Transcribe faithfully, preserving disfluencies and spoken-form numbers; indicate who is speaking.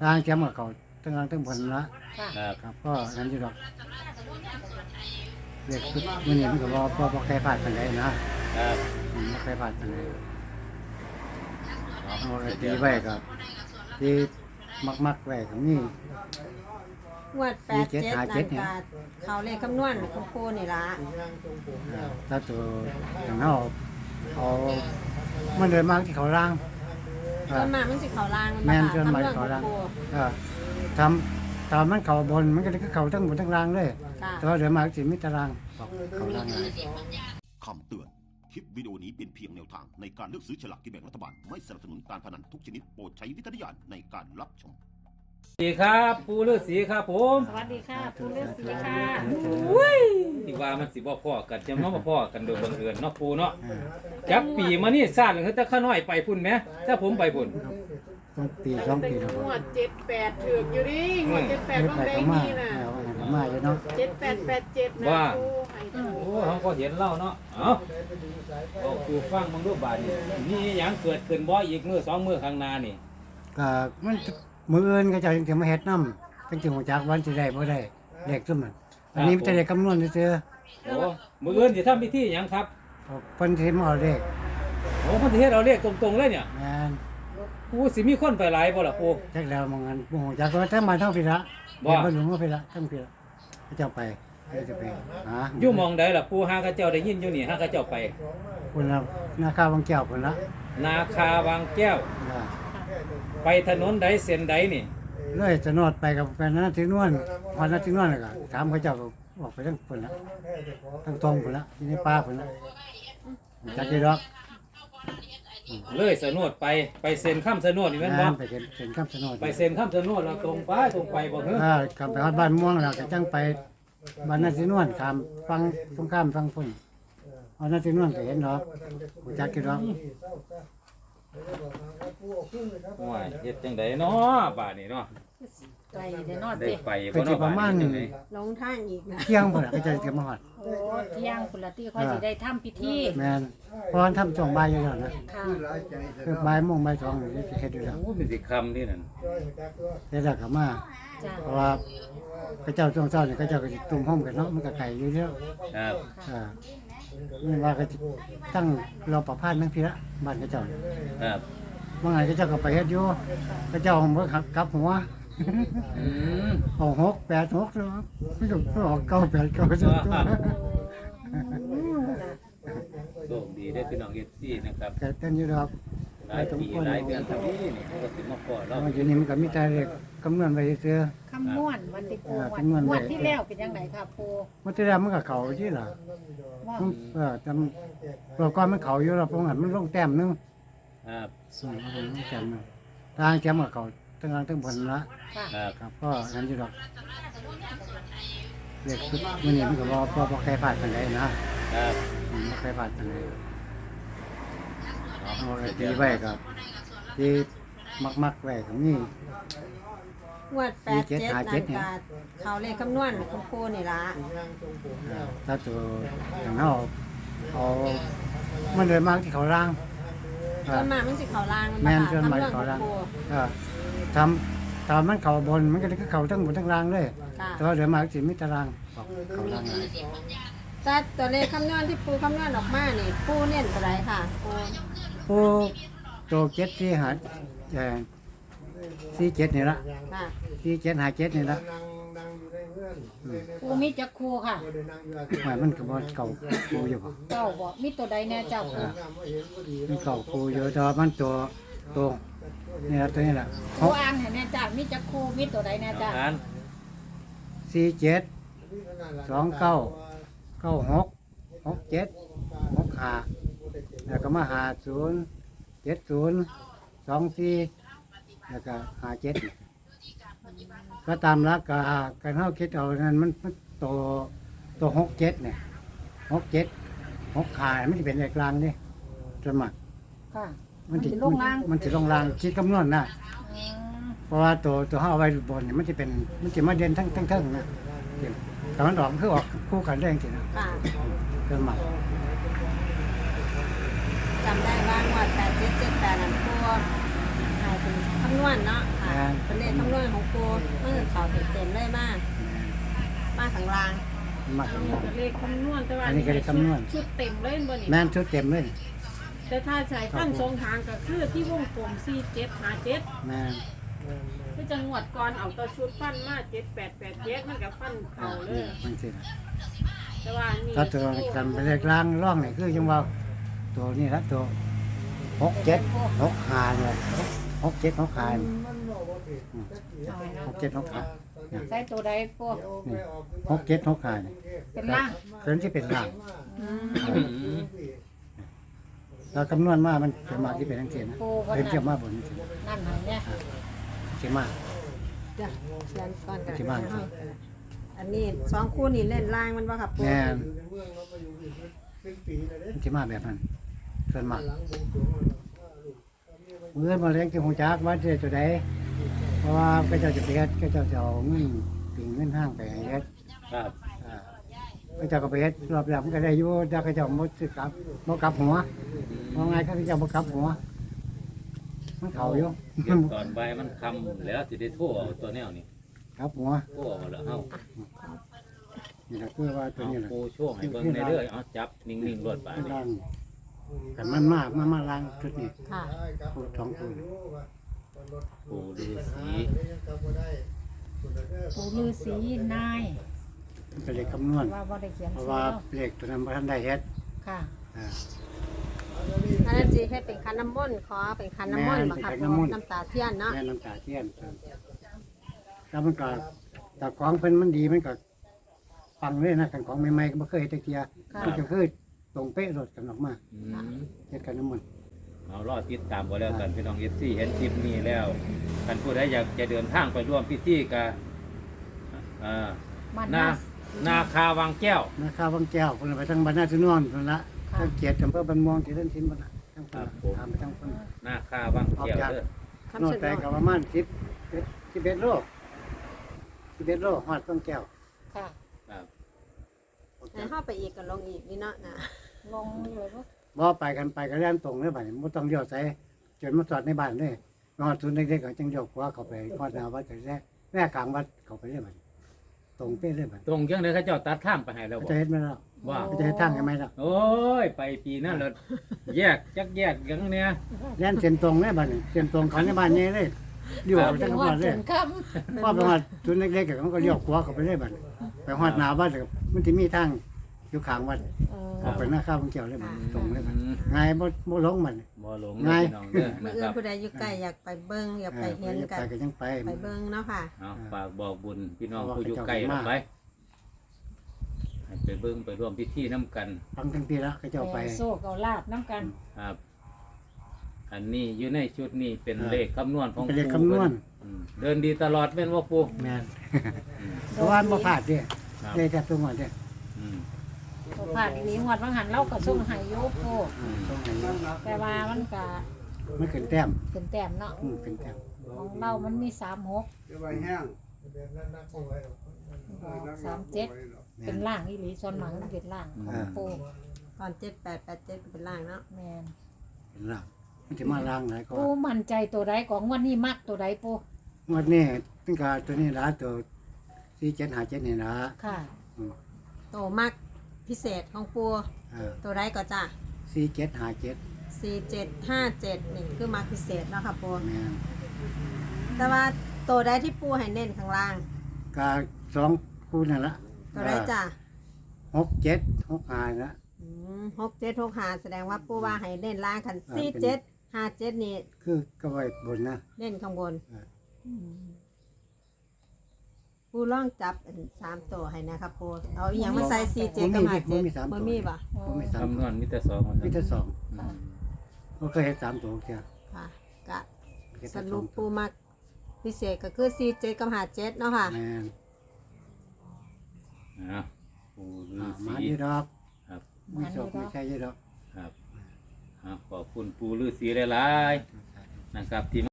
Speaker 1: ทางแจมกับเขาตั้งทางตั้งบนละ
Speaker 2: ครับ
Speaker 1: ครับก็นั่นอยู่ดอกเรียกชุดมันนี่มันก็บ่บ่บ่ใครผ่านกันได้นะครับ อืมบ่ใครผ่านกันได้เอาไว้ตีไว้ก็ที่มักๆไว้ก็มี
Speaker 3: งวดแปดเจ็ดนั่นก็เขาเลขคำนวณของครูนี่ล่ะ
Speaker 1: อ่าถ้าตัวอย่างเฮาเอามันเดินมาที่เขาล่าง
Speaker 3: ส่วนมากมันสิเขาล่าง
Speaker 1: แม่น
Speaker 3: บ่
Speaker 1: เกิน
Speaker 3: ค่ะ
Speaker 1: ไป
Speaker 3: คำนวณข
Speaker 1: เขา
Speaker 3: อง
Speaker 1: ล่าง
Speaker 3: ครู
Speaker 1: เออทำตามมันเขาบนมันก็ได้เขาทั้งบนทั้งล่างเลย
Speaker 3: ค่ะ
Speaker 1: แต่ว่าเดินมาสิมีตารางบอกเขาล่างเลย
Speaker 4: คำเตือน คลิปวิดีโอนี้เป็นเพียงแนวทางในการเลือกซื้อฉลากกินแบ่งรัฐบาล ไม่สนับสนุนการพนันทุกชนิดโปรดใช้วิจารณญาณในการรับชม
Speaker 2: สวัสดีครับปูฤาษีครับผม
Speaker 5: สวัสดีค่ะปูฤาษีค่ะ
Speaker 2: ที่ว่ามันสิบ่พ่อกันจะมาบ่พ่อกันโดยบังเอิญเนาะปูเนาะ
Speaker 1: อ่า
Speaker 2: จักปีมานี่ซ่านคือแต่ข้าน้อยไปพุ่นแหมถ้าผมไปพุ่น
Speaker 1: ต้องปีสองปีแล้ว
Speaker 5: งวดเจ็ดแปดถือกอยู่ดิงวดเจ็ดแปด
Speaker 1: ไม่
Speaker 5: ต้อง
Speaker 1: ไป
Speaker 5: ได้
Speaker 1: เขามา
Speaker 5: นี่น่ะ
Speaker 1: เอาเขามาอยู่เนาะ
Speaker 5: เจ็ดแปดแปดเจ็ดนะ
Speaker 2: ว่า
Speaker 5: ปูให้ดู
Speaker 2: โอ้เขาก็เห็นเล่าเนาะเอ้าเอาปูฟังมึงดูบาดนี้มีหยังเกิดขึ้นบ่อีกมื้อสองมื้อข้างหน้านี่
Speaker 1: ก็มันมืออื่นก็จะจะมาเฮ็ดน้ำเป็นจังหัวจักวันสิได้บ่ได้เลขซุ่มมันอันนี้มันจะได้คำนวณซื่อ
Speaker 2: โอ้มื้ออื่นสิทำพิธีหยังครับ
Speaker 1: ๆเอาเพิ่นสิมาเอาเลข
Speaker 2: โอ้เพิ่นสิเฮ็ดเอาเลขตรงๆเลยเนี่ย
Speaker 1: แม่น
Speaker 2: ปูสิมีคนไปหลายบ่ล่ะปู
Speaker 1: จักแล้วมองกันบ่ฮู้จักว่าทั้งมาทั้งพี่ละ
Speaker 2: ว่า
Speaker 1: บ่รู้ว่าพี่ละทั้งพี่ละเขาเจ้าไปเขาจะไปหา
Speaker 2: อยู่หมองใดล่ะปูหาเขาเจ้าได้ยินอยู่นี่หาเขาเจ้าไป
Speaker 1: คนละนาคาวังแก้วคนละ
Speaker 2: นาคาวางแก้ว
Speaker 1: อ่า
Speaker 2: ไปถนนใดเส้นใดนี่
Speaker 1: เลยจะนอดไปกับแฟนนั้นที่นวลพอนั้นที่นวลแล้วก็ถามเขาเจ้าก็ออกไปทั้งคนละทั้งตรงคนละที่ในป่าคนละจักกี่ดอก
Speaker 2: เลยสนวดไปไปเซ็นข้ามสนวดนี่แม่นบ่
Speaker 1: งานไปเห็นเห็นคำสนด
Speaker 2: ไปเซ็นข้ามสนวดแล้วตรงไปตรงไปบ่เฮ้อ
Speaker 1: อ่ากลับไปฮอดบ้านม่วงแล้วก็จังไปบ้านนาที่นวลข้ามฟังตรงข้ามฟังพุ่นเอานาที่นวลก็เห็นดอกหูจักกี่ดอก
Speaker 2: ว้ายเฮ็ดจังไดเนาะบ้านนี้เนาะ
Speaker 5: ไกลเดี๋ยวนอด
Speaker 2: ได้
Speaker 5: เด็
Speaker 2: ไปบ่เนาะบ้านนี้จังได
Speaker 3: ลงทางอีกนะ
Speaker 1: เที่ยงพุ่นน่ะก็จะเก็บมาฮอด
Speaker 5: โอ้เที่ยงคุณละที่ค่อยสิได้ทำพิธี
Speaker 1: แม่นเพราะว่าทำช่วงบ่ายอยู่แล้วนะ
Speaker 5: ค่ะ
Speaker 1: คือบ่ายโมงบ่ายสองนี่สิเฮ็ดอยู่แล้ว
Speaker 2: โอ้มันสิค่ำนี่นั่น
Speaker 1: เฮ็ดแล้วก็มา
Speaker 5: จ้า
Speaker 1: เพราะว่าพระเจ้าช่วงเช้านี่เขาเจ้าก็สิตุ่มห้อมกันเนาะมันก็ไกลอยู่แล้ว
Speaker 2: ครับ
Speaker 1: อ่านี่ว่าก็สิตั้งรอประพาสทั้งพี่ละบ้านเขาเจ้า
Speaker 2: ครับ
Speaker 1: บางไงเขาเจ้าก็ไปเฮ็ดอยู่เขาเจ้าผมก็ขับกลับหัว
Speaker 2: อืม
Speaker 1: เอาหกแปดหกแล้วไม่ถูกก็ออกเก้าแปดเก้าสิบตัว
Speaker 2: โชคดีได้อพี่น้อง เอฟ ซี นะครับ
Speaker 1: แกเต้นอยู่ดอก
Speaker 2: หลายปีหลายเดือนทำนี้นี่เขาก็สิมาขอเรา
Speaker 1: เอาอยู่นี่มันก็มีแต่เลขคำนวณไว้ซื่อ
Speaker 5: คำนวณวันที่ปู
Speaker 1: อ่า
Speaker 5: วัน
Speaker 1: คำนวณไว้
Speaker 5: วันที่แล้วเป็นยังไงค่ะปู
Speaker 1: มันที่แล้วมันก็เข้าที่ล่ะ
Speaker 5: ว่า
Speaker 1: มันเออจำตัวก่อนมันเข้าอยู่แล้วเพราะงั้นมันลงแต้มหนึง
Speaker 2: ครับ
Speaker 1: อืมมันลงแต้มหนึงทางแจมกับเขาตั้งทางตั้งบนละ
Speaker 5: ค่ะ
Speaker 2: ครับ
Speaker 1: ครับก็นั่นอยู่ดอกเรียกชุดมันนี่มันก็บ่บ่บ่ใครผ่านกันได้นะครับ อืมบ่ใครผ่านกันได้เอาไว้ตีไว้กับที่มักๆไว้ก็มี
Speaker 3: งวดแปดเจ็ดนั่นก็เขาเลขคำนวณของครูนี่ล่ะ
Speaker 1: อ่าถ้าตัวอย่างเฮาเอามันเดินมาที่เขาล่าง
Speaker 3: ส่วนมากมันสิเขาล่าง
Speaker 1: แม่น
Speaker 3: บ่
Speaker 1: เกิน
Speaker 3: ค่ะ
Speaker 1: ไป
Speaker 3: คำนวณข
Speaker 1: เขา
Speaker 3: อง
Speaker 1: ล่าง
Speaker 3: ครู
Speaker 1: เออทำตามมันเขาบนมันก็ได้เขาทั้งบนทั้งล่างเลย
Speaker 3: ค่ะ
Speaker 1: แต่ว่าเดินมาสิมีตารางบอกเขาล่างเลย
Speaker 3: แต่ตัวเลขคำนวณที่ปูคำนวณออกมานี่ปูเน้นตัวใดค่ะปู
Speaker 1: ผู้ตัวเจ็ดที่หาเอ่อสี่เจ็ดนี่ละ
Speaker 3: ค่ะ
Speaker 1: สี่เจ็ดหาเจ็ดนี่ละ
Speaker 5: ปูมีจักครูค่ะ
Speaker 1: หมายมันก็บ่เก่าปูอยู่บ่
Speaker 5: เจ้าบอกมีตัวใดแน่เจ้าครู
Speaker 1: มันเก่าปูอยู่แต่ว่ามันตัวตัวนี่ละตัวนี้ละ
Speaker 5: ครูอ่านให้แน่จ้ามีจักครูมีตัวใดแน่จ้า
Speaker 2: อ่าน
Speaker 1: สี่เจ็ดสองเก้าเก้าหกหกเจ็ดหกห้าแล้วก็มาหาศูนย์เจ็ดศูนย์สองสี่แล้วก็หาเจ็ดก็ตามหลักกาการเข้าคิดเอานั้นมันมันตัวตัวหกเจ็ดเนี่ยหกเจ็ดหกขามันจะเป็นเลขกลางนี่สมัคร
Speaker 5: ค่ะ
Speaker 1: มันจะ
Speaker 5: สิลงล่าง
Speaker 1: มันจะลงล่างคิดคำนวณนะ
Speaker 5: อืม
Speaker 1: เพราะว่าตัวตัวห้าเอาไว้บนเนี่ยมันจะเป็นมันจะมาเด่นทั้งทั้งทั้งนะแต่มันออกคือออกคู่กันได้จริงๆนะ
Speaker 3: ค่ะ
Speaker 1: เกินมา
Speaker 3: จำได้ว่างวดแปดเจ็ดเจ็ดแปดนั่นปูให้เป็นคำนวณเนาะค่ะเป็นเลขคำนวณเต็มๆเลยมากมาข้างล่าง
Speaker 1: มาทำงาน
Speaker 6: เลขคำนวณแต่ว่า
Speaker 1: อันนี้ก็เลขคำนวณ
Speaker 6: ชุดเต็มเลยบ่นี่
Speaker 1: แม่นชุดเต็มเลย
Speaker 6: แต่ถ้าใช้ฟันสองทางก็คือที่วงกลมสี่เจ็ดห้าเจ็ด
Speaker 1: แม่น
Speaker 6: คือจังหวัดก่อนเอาตัวชุดฟันมาเจ็ดแปดแปดเจ็ดมันก็ฟัน
Speaker 1: อ่า
Speaker 6: เข่าเล
Speaker 1: นี่
Speaker 6: ย
Speaker 1: มันสิ
Speaker 6: แต่ว่านี่
Speaker 1: ถ้าตัวกันไปเลขล่างร่องนี่คือจังว่าตัวนี้ละตัวหกเจ็ดหกห้าเนี่ยหกเจ็ดหกห้านี่อืมหกเจ็ดหกห้าเนี่ย
Speaker 5: ใส่ตัวใดปู
Speaker 1: นี่หกเจ็ดหกห้านี่
Speaker 5: เป็นล่าง
Speaker 1: เกินที่เป็นล่าง
Speaker 5: อืม
Speaker 2: อืม
Speaker 1: เราคำนวณมามันเป็นมาที่เป็นทั้งเสียนะ
Speaker 5: ปูก็
Speaker 1: เป็นเทียบ
Speaker 5: นั่น
Speaker 1: มาบนนี่สิ
Speaker 5: นั่นไหนเนี่ย
Speaker 1: เทียบมา
Speaker 3: จ้ะเขียนก่อนกัน
Speaker 1: ที่บ้านครับ
Speaker 3: อันนี้สองคู่นี่เล่นล่างมันบ่ครับปู
Speaker 1: แม่นเทียบมาแบบนั้นส่วนมากเมื่อมาเลี้ยงที่หงจักว่าจะตัวใดเพราะว่าก็เจ้าจะไปเฮ็ดก็เจ้าจะเอาเงินปิ่งเงินห้างไปให้เฮ็ด
Speaker 2: ครับ
Speaker 1: อ่าก็เจ้าก็ไปเฮ็ดรอบแรกมันก็ได้อยู่แต่ก็เจ้าบ่ซื้อกลับบ่กลับหัวว่าไงก็เจ้าบ่กลับหัวมันเข้าอยู่
Speaker 2: เดี๋ยวตอนบ่ายมันคำแล้วสิได้โทรเอาตัวแนวนี้
Speaker 1: กลับหัว
Speaker 2: โทรเอาแล้วเฮา
Speaker 1: นี่ก็คือว่าตัว
Speaker 2: เอา
Speaker 1: นี้แหละ
Speaker 2: ปูโชว์ให้เบิ่งในเด้อเอาจับนิ่งๆรวดบาดนี่
Speaker 1: ล่างกันมันมากมันมาล้างชุดนี้
Speaker 3: ค่ะ
Speaker 1: พูดสองคน
Speaker 2: ปูฤาษี
Speaker 5: ปูฤาษีนาย
Speaker 1: มันเป็นเลขคำนวณ
Speaker 5: ว่าบ่ได้เขียน
Speaker 1: เพราะ
Speaker 5: ชื่อ
Speaker 1: ว่า
Speaker 5: เรา
Speaker 1: เลขตัวนั้นบ่ทันได้เฮ็ด
Speaker 5: ค่ะ
Speaker 1: อ่า
Speaker 3: อันนั้นจีให้เป็นคันน้ำมนต์ขอเป็นคันน้ำมนต์บ่ครับ
Speaker 1: แม่นเป็นคันน้ำมนต์
Speaker 3: น้ำตาเทียนเนาะ
Speaker 1: แม่น้ำตาเทียนแล้วมันก็แต่ของเพิ่นมันดีมันก็ฟังเลยนะกันของใหม่ๆก็บ่เคยเฮ็ดจักเที่ย
Speaker 5: ค่ะ
Speaker 1: มันก็คือตรงเป๊ะรถกันออกมา
Speaker 2: อืม
Speaker 1: เฮ็ดกันน้ำมันต์
Speaker 2: เอารอติดตามบ่แล้วกันพี่น้อง เอฟ ซี เห็นคลิปนี้แล้วท่านผู้ใดอยากจะเดินทางไปร่วมพิธีกับอ่า
Speaker 5: มัน
Speaker 2: นา
Speaker 5: นา
Speaker 2: นาคาวังแก้ว
Speaker 1: นาคาวังแก้วเพิ่นไปทางบ้านนาจุนวนพุ่นละ
Speaker 5: ค่ะ
Speaker 1: ทางเกียรติอำเภอบ้านม่วงที่เล่นทิ้นพุ่นละทาง
Speaker 2: ครั
Speaker 1: พุ่น
Speaker 2: บผม
Speaker 1: ตามไปทางพุ่น
Speaker 2: นาคาวังแก้วเด้อ
Speaker 3: คำ
Speaker 1: โน่
Speaker 3: ชะ
Speaker 1: น
Speaker 3: โน
Speaker 1: แต่
Speaker 3: ด
Speaker 1: ก็ประมาณสิบสิบเอ็ดโลสิบเอ็ดโลฮอดวังแก้ว
Speaker 5: ค่ะ
Speaker 2: ครับ
Speaker 3: ให้เข้าไปอีกก็ลงอีกนี่เนาะนะ
Speaker 5: ลงเลยว่า
Speaker 1: บ่ไปกันไปก็เล่นตรงเลยบัดนี้บ่ต้องเลี้ยวใส่จนมาจอดในบ้านเลยฮอดศูนย์เด็กๆก็จังเลี้ยวขวาเข้าไปฮอดหน้าวัดก็แท้แม่กลางวัดเข้าไปเลยบัดนี้ตรงเป๊ะเลยบัด
Speaker 2: ตรงจังได๋เขาเจ้าตัดข้ามไปให้แล้วบ่
Speaker 1: จะเฮ็ดไหมล่ะ
Speaker 2: ว่า
Speaker 1: จะเฮ็ดทางให้ไหมล่ะ
Speaker 2: โอ้ย ไปปีนั้นเลยแยกจักแยกยังเนี่ย
Speaker 1: เล่นเส้นตรงเลยบัดนี้เส้นตรงเขาในบ้านใหญ่เลยเลี้ยวไปทาง
Speaker 5: ถึง
Speaker 1: วั
Speaker 5: ว่า
Speaker 1: ดเล
Speaker 5: ถึ
Speaker 1: ย
Speaker 5: งค
Speaker 1: พอไปฮอดศูนย์เล็กๆก็มันก็เลี้ยวขวาเข้าไปเลยบัดนี้ไปฮอดหน้าวัดก็มันสิมีทางอยู่ข้างวัด
Speaker 5: ำเออ
Speaker 1: ออกไปหน้าข้าววังแก้วเลยบัดนี้ตรงเลยบัด
Speaker 2: อืม
Speaker 1: ง่ายบ่บ่หลงบัดนี้
Speaker 2: บ่หลง
Speaker 1: ไง
Speaker 2: เด้อพี่น้องเด้อ
Speaker 3: มื่
Speaker 2: นะ
Speaker 3: อ
Speaker 2: ค
Speaker 3: อื่น
Speaker 2: รับ
Speaker 3: ผู้ใดอยู่ใกล้อยากไปเบิ่งอยากไปเห็นกัน
Speaker 1: ไปก็ยังไป
Speaker 3: ไปเบิ่งเนาะค่ะ
Speaker 2: เอาฝากบอกบุญพี่น้อง
Speaker 1: เพราะว่า
Speaker 2: ผู้อยู่
Speaker 1: เขา
Speaker 2: ใกล้
Speaker 1: เจ้า
Speaker 2: เรา
Speaker 1: มา
Speaker 2: ไปให้ไปเบิ่งไปร่วมพิธีน้ำกัน
Speaker 1: ฟังทั้งปีแล้วเขาเจ้าไป
Speaker 5: โซ่เกาลาบน้ำกัน
Speaker 2: ครับ อันนี้อยู่ในชุดนี้เป็น
Speaker 1: ครับ
Speaker 2: เลขคำนวณของ
Speaker 1: เป็นเลข
Speaker 2: ปู่
Speaker 1: คำนวณ
Speaker 2: อืมเดินดีตลอดแม่นว่าปู
Speaker 1: แม่น
Speaker 2: อืม
Speaker 1: เพราะว่าบ่พลาดเด้
Speaker 2: ครับ
Speaker 1: ได้แต่ตัวหมดเด้
Speaker 2: อืม
Speaker 5: ตัวผ่านอีหลีงวดบางหันเราก็ส่งให้โยโก
Speaker 1: อืมต้องให้เยอะ
Speaker 5: แต่ว่ามันก็
Speaker 1: มันขึ้นแต้ม
Speaker 5: เป็นแต้มเนาะ
Speaker 1: อืมขึ้นแต้ม
Speaker 5: ของเรามันมีสามหกสามเจ็ด
Speaker 1: แม่
Speaker 5: เป็น
Speaker 1: น
Speaker 5: ล่างอีหลีส่วนมากมันเป็นล่างของปู
Speaker 3: ตอนเจ็ดแปดแปดเจ็ดก็เป็นล่างเนาะ
Speaker 5: แมน
Speaker 1: เป็นล่างมันจะมาล่างหลายก็
Speaker 5: ปูมั่นใจตัวใดของวันนี้มักตัวใดปู
Speaker 1: งวดนี้ตึงกาตัวนี้ละตัวสี่เจ็ดห้าเจ็ดนี่ละ
Speaker 5: ค่ะ
Speaker 1: อืม
Speaker 3: โตมากพิเศษของปู
Speaker 1: เออ
Speaker 3: ตัวไรก็จ้ะ
Speaker 1: สี่เจ็ดห้าเจ็ด
Speaker 3: สี่เจ็ดห้าเจ็ดนี่คือมากพิเศษเนาะค่ะปู
Speaker 1: แม่น
Speaker 3: แต่ว่าตัวใดที่ปูให้เน้นข้างล่าง
Speaker 1: กาสองคู่นั่นละ
Speaker 3: ตัวไรจ้ะ
Speaker 1: หกเจ็ดหกห้าละ
Speaker 3: อืมหกเจ็ดหกห้าแสดงว่าปูว่าให้เน้นล่างกัน
Speaker 1: อ่า
Speaker 3: สี่
Speaker 1: เป็น
Speaker 3: เจ็ดห้าเจ็ดนี่
Speaker 1: คือก็ไว้บนนะ
Speaker 3: เน้นข้างบน
Speaker 1: อ่า
Speaker 3: ปูล่องจับอันสามตัวให้นะครับปูเอาอหย่างมาใส่สี่เจ็ดกับห้าเจ็ดบ่มีป่ะ
Speaker 1: ผมมีสาม
Speaker 2: คำน
Speaker 1: ตัว
Speaker 2: วณมิตรสองของ
Speaker 1: มีแต่สอง
Speaker 2: อืม
Speaker 1: บ่เคยเห็นสามตัวเดียว
Speaker 3: ค่ะกะ
Speaker 1: เฮ็ด
Speaker 3: ส
Speaker 1: แต่ส
Speaker 3: รุ
Speaker 1: อง
Speaker 3: ปปูมักพิเศษก็คือสี่เจ็ดกับห้าเจ็ดเนาะค่ะ
Speaker 1: แม่น
Speaker 2: อ่ะปูฤา
Speaker 1: อ่ามา
Speaker 2: ษี
Speaker 1: อยู่ดอก
Speaker 2: ครับ
Speaker 1: มีโชคมีชัยอยู่ดอก
Speaker 2: ครับอ่ะขอบคุณปูฤาษีหลายๆนะครับที่